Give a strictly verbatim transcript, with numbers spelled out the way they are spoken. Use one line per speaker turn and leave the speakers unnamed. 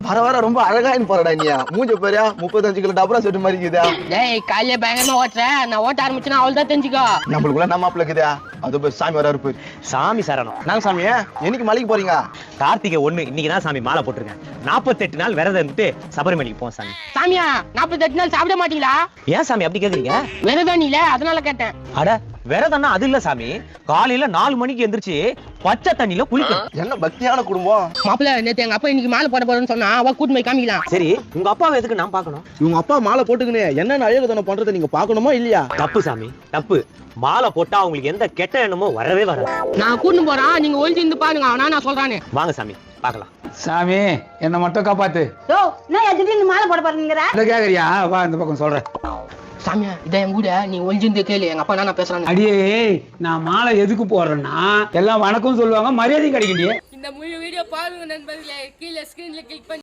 வர வர ரொம்ப அழகாயின்னு போறடா நீ. மூஞ்ச பாரியா முப்பத்தஞ்சு கிலோ டபரா செட்டு மாதிரி இருக்குதா.
டேய் காலையில பயங்கரமா ஓட்டுறேன், நான் ஓட்ட ஆரம்பிச்சுன்னா அவள் தான் தெரிஞ்சுக்கோ.
நம்மளுக்குள்ள நம்ம மாப்பிள்ள இருக்குதா. அது போய் சாமி வர இருப்பாரு.
சாமி சரணம்.
நாங்க சாமி என்னைக்கு மலைக்கு போறீங்க?
கார்த்திகை ஒண்ணு இன்னைக்கு தான் சாமி மாலை போட்டிருக்கேன். நாற்பத்தெட்டு நாள் விரதம் இருந்துட்டு சபரிமலைக்கு போவோம் சாமி.
சாமியா நாற்பத்தெட்டு நாள் சாப்பிட மாட்டீங்களா?
ஏன் சாமி அப்படி கேக்குறீங்க?
விரதம் இல்ல அதனால கேட்டேன்.
அட விரதம்னா அது இல்ல சாமி. காலையில நாலு மணிக்கு எந்திரிச்சு பச்சை தண்ணியில குளிக்கணும்.
என்ன பக்தியான குடும்பம்.
மாப்பிள்ள நேத்து எங்க அப்பா இன்னைக்கு மாலை போட போறேன்னு சொன்னா அவ கூட்டு போய் காமிக்கலாம்.
சரி உங்க அப்பாவை எதுக்கு நான் பார்க்கணும்?
இவங்க அப்பா மாலை போட்டுக்கினே என்னென்ன அழகுதனம் பண்றதை நீங்க பாக்கணுமா இல்லையா?
தப்பு சாமி தப்பு. மாலை போட்டா அவங்களுக்கு எந்த கெட்ட எண்ணமோ வரவே வராது.
நான் கூட்டு போறேன், நீங்க ஒழிச்சு இருந்து பாருங்க. நான் நான் சொல்றானே.
வாங்க சாமி பார்க்கலாம்.
சாமி என்ன மட்டும் காப்பாத்து.
யோ நான் திடீர்னு மாலை போட போறேங்கிற
இத கேக்குறியா? வா இந்த பக்கம் சொல்றேன்.
சாமியா இதை என் கூட நீ ஒழிஞ்சிருந்து கேளு. எங்க அப்பா நான் பேசுறானே.
அடியே நான் மாலை எதுக்கு போடுறேன்னா எல்லாம் வணக்கம் சொல்லுவாங்க, மரியாதை கிடைக்கலையே.
இந்த முழு வீடியோ பாருங்க நண்பர்களே. கீழே ஸ்கிரீன்ல கிளிக் பண்ணி